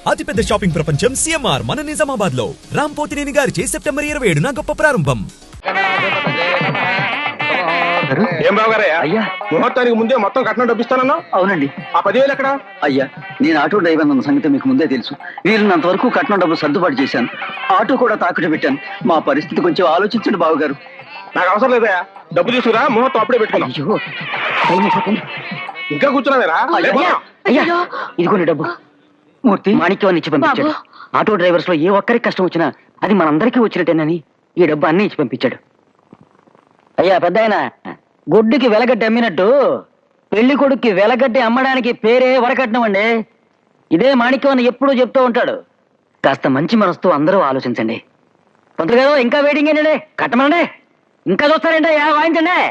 అతిపెద్ద షాపింగ్ ప్రపంచం సిఎంఆర్ మన నిజామాబాద్ లో రాంపోతినేని గారిచే సెప్టెంబర్ 27న గొప్ప ప్రారంభం. ఏం బాబు గారయ్యా? అయ్యా, ముహూర్తానికి ముందే మొత్తం కట్నం డబ్బిస్తానన్నా? అవునండి. ఆ 10,000 ఎక్కడ? అయ్యా, నేను ఆటో డ్రైవర్ అన్న సంగతి మీకు ముందే తెలుసు. వీలున్నంత వరకు కట్నం డబ్బు సర్దుబాటు చేశాను. ఆటో కూడా తాకట్టు పెట్టాను. మా పరిస్థితి కొంచెం ఆలోచించండి బాబు గారు. నాకు అవసరం లేదయ్యా, డబ్బు తీసుకురా, ముహూర్తం అప్పుడే పెట్టుకున్నాం. అయ్యో, టైం అయిపోతుంది. ఇంకా కూర్చున్నావేరా? అయ్యా, అయ్యా, ఇదిగోండి డబ్బు. మూర్తి, మాణిక్యాన్ని ఇచ్చి పంపించాడు. ఆటో డ్రైవర్స్ లో ఏ ఒక్కరికి కష్టం వచ్చినా అది మనందరికీ వచ్చినట్టేనని ఈ డబ్బు అన్నీ ఇచ్చి పంపించాడు. అయ్యా పెద్దాయన, గుడ్డుకి వెలగడ్డి అమ్మినట్టు పెళ్లి కొడుక్కి వెలగడ్డి అమ్మడానికి పేరే వరకట్నం అండి. ఇదే మాణిక్యం అని ఎప్పుడూ చెప్తూ ఉంటాడు. కాస్త మంచి మనసుతో అందరూ ఆలోచించండి. పంతులు గారు, ఇంకా వెయిటింగ్ ఏంటండి? కట్టమనండి. ఇంకా చూస్తారంటే వాయించండి.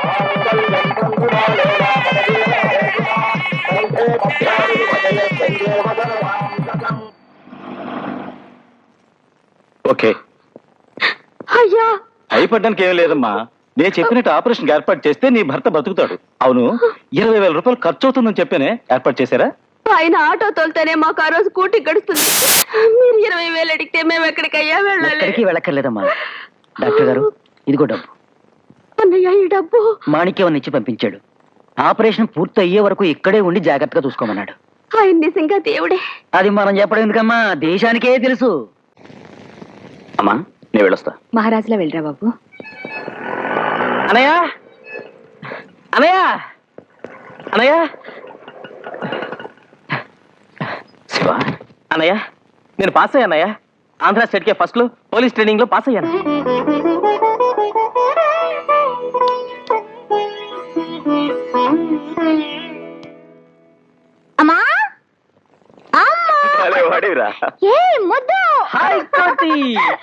ఓకే, అయ్యా, భయపడ్డానికి ఏం లేదమ్మా. నేను చెప్పినట్టు ఆపరేషన్ ఏర్పాటు చేస్తే నీ భర్త బతుకుతాడు. అవును, 20,000 రూపాయలు ఖర్చు అవుతుందని చెప్పానే, ఏర్పాటు చేశారా? ఆయన ఆటో తోలితేనే మాకు ఆ రోజు కూటి గడుస్తుంది. మీరు 20,000 అడిగితే మేము ఎక్కడికయ్యా వెళ్ళాలి? ఎక్కడికి వెళ్ళక్కర్లేదమ్మా. డాక్టర్ గారు, ఇదిగో డబ్బు. అన్నయ్య, ఈ డబ్బు మాణిక్యం ఇచ్చి పంపించాడు. ఆపరేషన్ పూర్తి అయ్యే వరకు ఇక్కడే ఉండి జాగ్రత్తగా చూసుకోమన్నాడు. ఆయన నిజంగా దేవుడే. అది మనం చెప్పడం ఎందుకమ్మా, దేశానికే తెలుసు. అమ్మా, నేను వెళ్ళొస్తా. మహారాజులా వెళ్ళరా బాబు. అనయ్య, అనయ్య, అనయ్య, శివ, అనయ్య, నేను పాస్ అయ్యానయ్యా. ఆంధ్ర స్టేట్ కే ఫస్ట్ లో పోలీస్ ట్రైనింగ్ లో పాస్ అయ్యాను. అమ్మా, భలే వాడివిరా. ఏ ముద్దు. హాయ్ కోటి.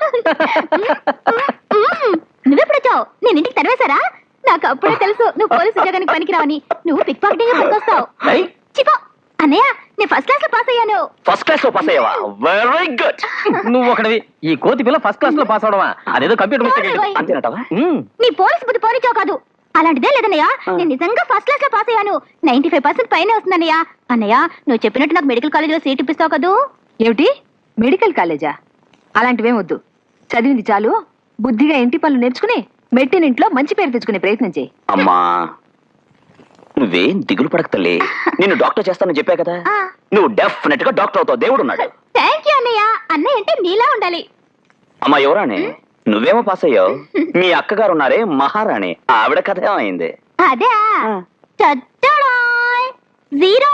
నువ్వెప్పుడొచ్చావు? నేను ఇంటికి తరివేశారా? నాకు అప్పుడే తెలుసు నువ్వు పోలీసు ఉద్యోగానికి పనికిరావని. నువ్వు పిక్ పాకెటింగ్ పనికొస్తావు. చిపో అన్నయ్య, నేను ఫస్ట్ క్లాస్ లో పాస్ అయ్యాను. ఫస్ట్ క్లాస్ లో పాస్ అయ్యావా? Very good. నువ్వు ఒకటివి. ఈ కోతి పిల్ల ఫస్ట్ క్లాస్ లో పాస్ అవడమా? అదేదో కంప్యూటర్ మిస్టేక్. అంతేనటవా? నీ పోలీసు బుద్ధి పోనిచావు కాదు. అలాంటిదే లేదన్నయ్య, నేను నిజంగా ఫస్ట్ క్లాస్ లో పాస్ అయ్యాను. 95% పైనే వస్తుందన్నయ్య. అన్నయ్య, నువ్వు చెప్పినట్టు నాకు మెడికల్ కాలేజీలో సీట్ ఇప్పిస్తావు కదూ? ఏమిటి, మెడికల్ కాలేజా? అలాంటివేం వద్దు. చదివింది చాలు. బుద్ధిగా ఇంటి పనులు నేర్చుకుని మెట్టినింట్లో మంచి పేరు తెచ్చుకునే ప్రయత్నం చేయి. అమ్మా, నువ్వేం దిగులు పడక తల్లి. నిన్ను డాక్టర్ చేస్తానని చెప్పా కదా, నువ్వు డెఫినెట్ గా డాక్టర్ అవుతావు. దేవుడు ఉన్నాడు. థ్యాంక్ యూ అన్నయ్య. అన్నయ్య అంటే నీలా ఉండాలి. అమ్మా ఎవరానే? నువ్వేమో పాస్ అయ్యావు. మీ అక్కగారు ఉన్నారే మహారాణి, ఆవిడ కథ ఏమైంది? అదే చచ్చడాయ్. 0.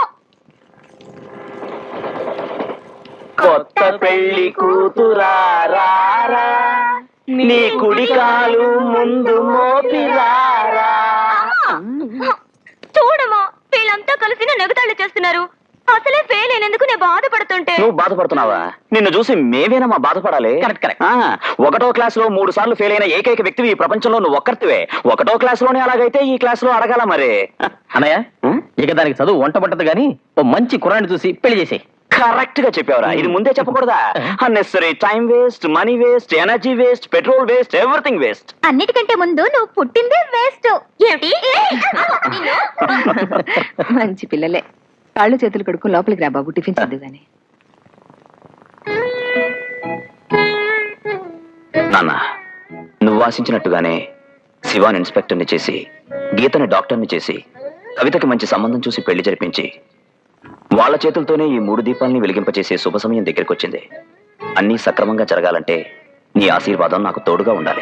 కొత్త పెళ్లి కూతురారా, నీ కుడి కాలు ముందు మోపిరారా. చూడమా, వీళ్ళంతా కలిసి నన్ను ఎగతాళి చేస్తున్నారు. అసలే ఫెయిల్ అయినందుకు నేను బాధపడుతుంటే. నువ్వు బాధపడుతున్నావా? నిన్ను చూసి మేమేనమ్మా బాధపడాలి. కరెక్ట్. 1వ క్లాస్ లో 3 సార్లు ఫెయిల్ అయిన ఏకైక వ్యక్తివి ఈ ప్రపంచంలో నువ్వు ఒక్కరివే. 1వ క్లాస్ లోనే అలాగైతే ఈ క్లాస్ లో అడగాల మరి. అన్నయ్య, ఇక దానికి చదువు వంట పట్టదు గానీ ఓ మంచి కుర్రాన్ని చూసి పెళ్లి చేసి. కరెక్ట్ గా చెప్పావురా. ఇది ముందే చెప్పకూడదా? Unnecessary time waste, money waste, energy waste, petrol waste, everything waste. అన్నిటికంటే ముందు నువ్వు పుట్టిందే వేస్ట్. ఏమిటి? మంచి పిల్లలే. కాళ్ళు చేతులు కడుక్కు లోపలికి రా బాబు, టిఫిన్ చదువు గాని. నాన్న, నువ్వు ఆశించినట్టుగానే శివాని ఇన్స్పెక్టర్ని చేసి, గీతని డాక్టర్ని చేసి, కవితకి మంచి సంబంధం చూసి పెళ్లి జరిపించి, వాళ్ళ చేతులతోనే ఈ 3 దీపాలని వెలిగింపచేసే శుభ సమయం దగ్గరికి వచ్చింది. అన్నీ సక్రమంగా జరగాలంటే నీ ఆశీర్వాదం నాకు తోడుగా ఉండాలి.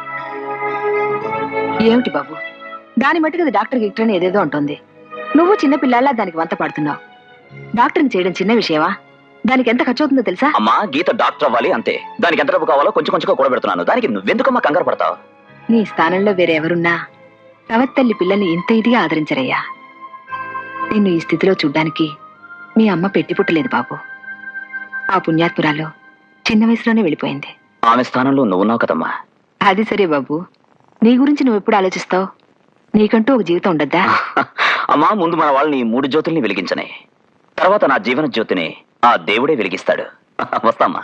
ఏమిటి బాబు, దాని మట్టుకు డాక్టర్ గిక్టర్ ఏదేదో ఉంటుంది. నువ్వు చిన్న పిల్లల్లా దానికి వంత పడుతున్నావు. డాక్టర్ని చేయడం చిన్న విషయమా? దానికి ఎంత ఖర్చు అవుతుందో తెలుసా? అమ్మా, గీత డాక్టర్ అవ్వాలి అంతే. దానికి ఎంత డబ్బు కావాలో కొంచెం కొంచెంగా కూడబెడుతున్నాను. దానికి నువ్వెందుకమ్మా కంగారు పడతావు? నీ స్థానంలో వేరే ఎవరున్నా తవత్తల్లి పిల్లల్ని ఇంత ఇదిగా ఆదరించరయ్యా. నిన్ను ఈ స్థితిలో చూడ్డానికి మీ అమ్మ పెట్టి పుట్టలేదు బాబు. ఆ పుణ్యాత్మురాలు చిన్న వయసులోనే వెళ్ళిపోయింది. ఆమె స్థానంలో నువ్వున్నావు కదమ్మా. అది సరే బాబు, నీ గురించి నువ్వు ఎప్పుడు ఆలోచిస్తావు? నీకంటూ ఒక జీవితం ఉండద్దా? అమ్మా, ముందు మన వాళ్ళని 3 జ్యోతుల్ని వెలిగించనే, తర్వాత నా జీవన జ్యోతిని ఆ దేవుడే వెలిగిస్తాడు. వస్తామ్మా.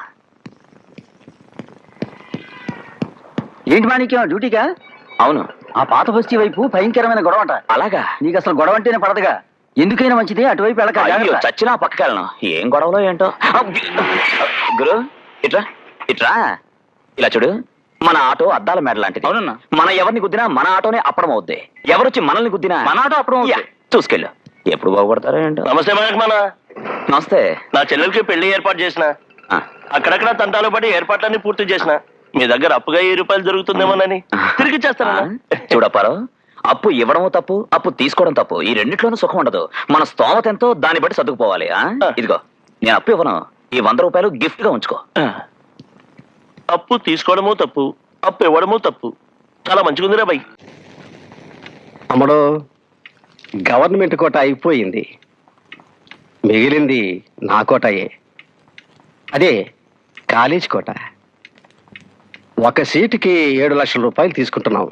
ఏంటి మాణిక్యం, డ్యూటీగా? అవును. ఆ పాత బస్తీ వైపు భయంకరమైన గొడవ అంట. అలాగా? నీకు అసలు గొడవ అంటేనే పడదుగా. ఎందుకైనా మంచిది అటువైపు వెళ్ళక అయ్యో జాగ్రత్త. చచ్చినా పక్కకి వెళ్ళను ఏం గొడవలో ఏంటో గురు ఇట్రా ఇట్రా ఇలా చూడు మన ఆటో అద్దాల మేడ లాంటిది. అవునన్నా. మన ఎవరిని గుద్దినా మన ఆటోనే అప్పడం అవుద్ది. ఎవరొచ్చి మనల్ని గుద్దినా మన ఆటో అప్పడం అవుద్ది. యా, చూసుకెళ్ళు. ఎప్పుడు బాగుపడతారో ఏంటో. నమస్తే మన నమస్తే. నా చెల్లెలకి పెళ్లి ఏర్పాటు చేసిన ఆ, అక్కడక్కడ తంటాలు పడి ఏర్పాట్లన్నీ పూర్తి చేసిన మీ దగ్గర అప్పుగా 1000 రూపాయలు దొరుకుతుందేమోనని తిరిగి చేస్తాను. చూడప్పారో అప్పు ఇవ్వడము తప్పు, అప్పు తీసుకోవడం తప్పు. ఈ రెండిట్లోనూ సుఖం ఉండదు. మన స్తోమత ఎంతో దాన్ని బట్టి సర్దుకుపోవాలి. ఇదిగో నేను అప్పు ఇవ్వను. ఈ 100 రూపాయలు గిఫ్ట్ గా ఉంచుకో. అప్పు తీసుకోవడము తప్పు, అప్పు ఇవ్వడము తప్పు. చాలా మంచిగుందిరా బై. అమ్మడు గవర్నమెంట్ కోట అయిపోయింది, మిగిలింది నా కోటయే. అదే కాలేజ్ కోట. ఒక సీటుకి 7 లక్షల రూపాయలు తీసుకుంటున్నాం.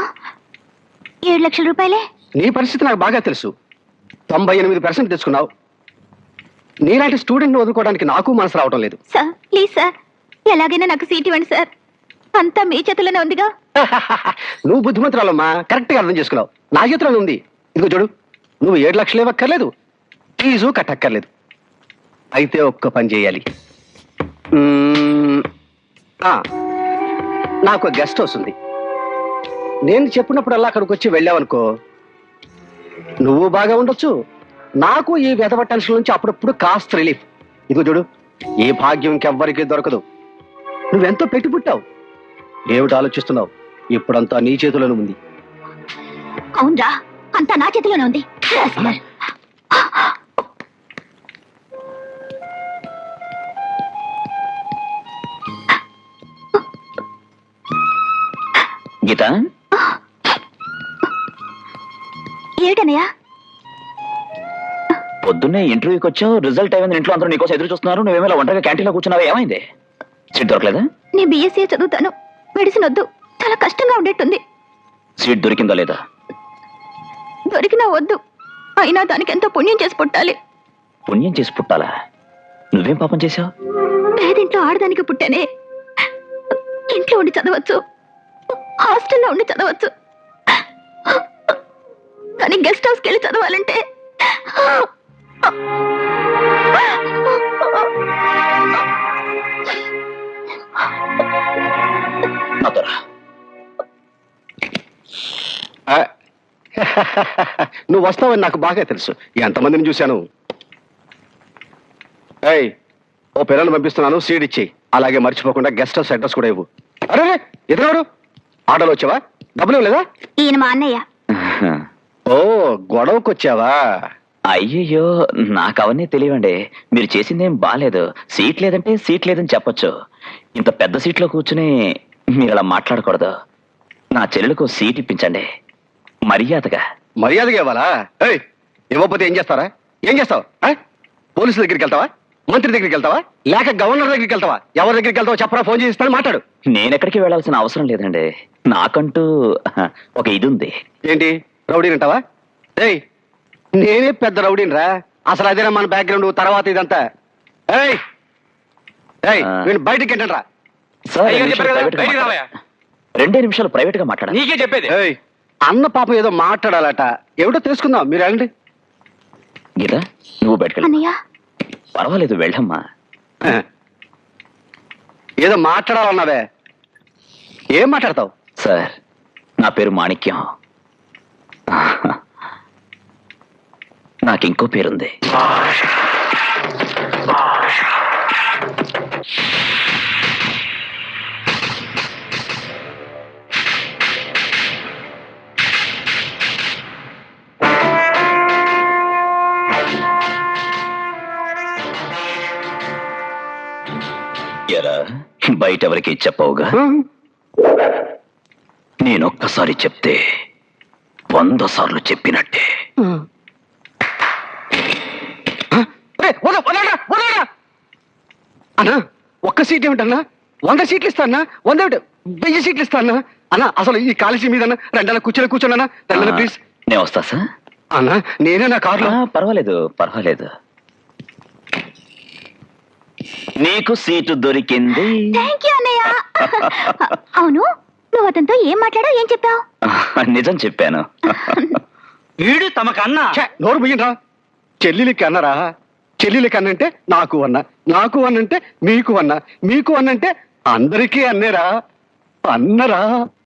7 లక్షల రూపాయలే? నీ పరిస్థితి నాకు బాగా తెలుసు. 98% తెచ్చుకున్నావు. నీలాంటి స్టూడెంట్ని వదులుకోవడానికి నాకు మనసు రావడం లేదు. సార్ ప్లీజ్ సార్, ఎలాగైనా నాకు సీట్ ఇవ్వండి సార్. అంతా మీ చేతుల్లోనే ఉందిగా. నువ్వు బుద్ధిమంతురాలమ్మా, కరెక్ట్గా అర్థం చేసుకున్నావు. నా చేతిలోనే ఉంది. ఇదిగో చూడు, నువ్వు 7 లక్షలు ఇవ్వక్కర్లేదు, ఫీజు కట్టక్కర్లేదు. అయితే ఒక్క పని చేయాలి. నాకు గెస్ట్ హౌస్ ఉంది. నేను చెప్పినప్పుడల్లా అక్కడికి వచ్చి వెళ్ళావనుకో, నువ్వు బాగా ఉండొచ్చు, నాకు ఈ వెధవ టెన్షన్ నుంచి అప్పుడప్పుడు కాస్త రిలీఫ్. ఇదిగో చూడు, ఈ భాగ్యం ఇంకెవ్వరికీ దొరకదు. నువ్వెంతో పెట్టి పుట్టావు. ఏమిటి ఆలోచిస్తున్నావు? ఇప్పుడంతా నీ చేతిలోనే ఉంది. అవునరా, అంతా నా చేతిలోనే ఉంది. గీత, ఏమిటనయ్యా? పొద్దున్నే ఇంటర్వ్యూకి వచ్చావు, రిజల్ట్ అయింది, ఇంట్లో అందరూ నీకోసం ఎదురు చూస్తున్నారు. నువ్వేమైనా ఒంటరిగా క్యాంటీన్లో కూర్చున్నావా? ఏమైంది? సీట్ దొరకలేదా? నేను బీఎస్సీ చదువుతాను, మెడిసిన్ వద్దు. చాలా కష్టంగా ఉండేట్టుంది. సీట్ దొరికిందా లేదా? దొరికినా వద్దు, అయినా దానికి ఎంతో పుణ్యం చేసి పుట్టాలి. పుణ్యం చేసి పుట్టాలా? నువ్వేం పాపం చేశావు? పేదింట్లో ఆడదానికి పుట్టానే. ఇంట్లో ఉండి చదవచ్చు, హాస్టల్లో ఉండి చదవచ్చు, కానీ గెస్ట్ హౌస్కి వెళ్ళి చదవాలంటే నాతో రా. ఆ, నువ్వు వస్తావని నాకు బాగా తెలుసు. ఎంతమందిని చూశాను. ఏయ్, ఓ పిల్లలు పంపిస్తున్నాను, సీడ్ ఇచ్చి. అలాగే మర్చిపోకుండా గెస్ట్ హౌస్ అడ్రస్ కూడా ఇవ్వు. అరే ఎదురు ఆటోలో వచ్చావా? డబ్బులు ఇవ్వలేదా? ఈయన మా అన్నయ్య. ఓ, గొడవకు వచ్చావా? అయ్యయ్యో, నాకు అవన్నీ తెలియండి. మీరు చేసిందేం బాలేదు. సీట్ లేదంటే సీట్ లేదని చెప్పొచ్చు. ఇంత పెద్ద సీట్లో కూర్చుని మీరు అలా మాట్లాడకూడదు. నా చెల్లెలకు సీట్ ఇప్పించండి మర్యాదగా. మర్యాదగా ఇవ్వాలా? ఏయ్, ఇవ్వకపోతే ఏం చేస్తారా? ఏం చేస్తావు? పోలీసుల దగ్గరికి వెళ్తావా? మంత్రి దగ్గరికి వెళ్తావా? లేక గవర్నర్ దగ్గరికి వెళ్తావా? ఎవరి దగ్గరికి వెళ్తావో చెప్పరా, ఫోన్ చేసి ఇస్తాను, మాట్లాడు. నేనెక్కడికి వెళ్ళాల్సిన అవసరం లేదండి. నాకంటూ ఒక ఇది ఉంది. ఏంటి, రౌడీని అంటావా? ఏయ్, నేనే పెద్ద రౌడీని రా. అసలు అదేనా మన బ్యాక్గ్రౌండ్, తర్వాత ఇదంతా. ఏయ్ ఏయ్, నేను బయటికి ఏంటంట్రా? సార్, అయ్యో, 2 నిమిషాలు చెప్పారు కదా, ప్రైవేట్గా బయటికి మాట్లాడాలి. రావయ్యా. 2 నిమిషాలు ప్రైవేట్ గా మాట్లాడాలి. నీకే చెప్పేది. ఏయ్, అన్న పాపం ఏదో మాట్లాడాలట, ఏమిటో తెలుసుకుందాం. మీరు వెళ్ళండి. గీత, నువ్వు బయటకెళ్ళి. అన్నయ్య, పర్వాలేదు, వెళ్ళమ్మా. ఏదో మాట్లాడాలన్నావే, ఏం మాట్లాడతావు? సార్, నా పేరు మాణిక్యం. నాకు ఇంకో పేరుంది. ఎరా, బయట ఎవరికి చెప్పవుగా? నేనొక్కసారి చెప్తే 100 సార్లు చెప్పినట్టే. అన్నా, ఒక్క సీట్ ఏమిటన్నా? 100 సీట్లు ఇస్తానా? 100 1000 సీట్లు ఇస్తానా? అన్నా, అసలు ఈ కాలేజీ మీద రెండన్నా కూర్చోన్నా తెల్లనా ప్లీజ్. నేను వస్తా సార్. అన్నా, నేనే నా కారులో. పర్వాలేదు పర్వాలేదు. నీకు సీటు దొరికింది. థ్యాంక్ యూ అన్నయ్య. అవును, నువ్వు అతనితో ఏం మాట్లాడావు, ఏం చెప్పావు? నిజం చెప్పాను. వీడు తమకన్నా. ఛే, నోరు ముయ్యండి రా. చెల్లెలికి అన్నరా, చెల్లెలికి అన్నంటే నాకు అన్న, నాకు అన్నంటే మీకు అన్న, మీకు అన్నంటే అందరికీ అన్నేరా, అన్నరా.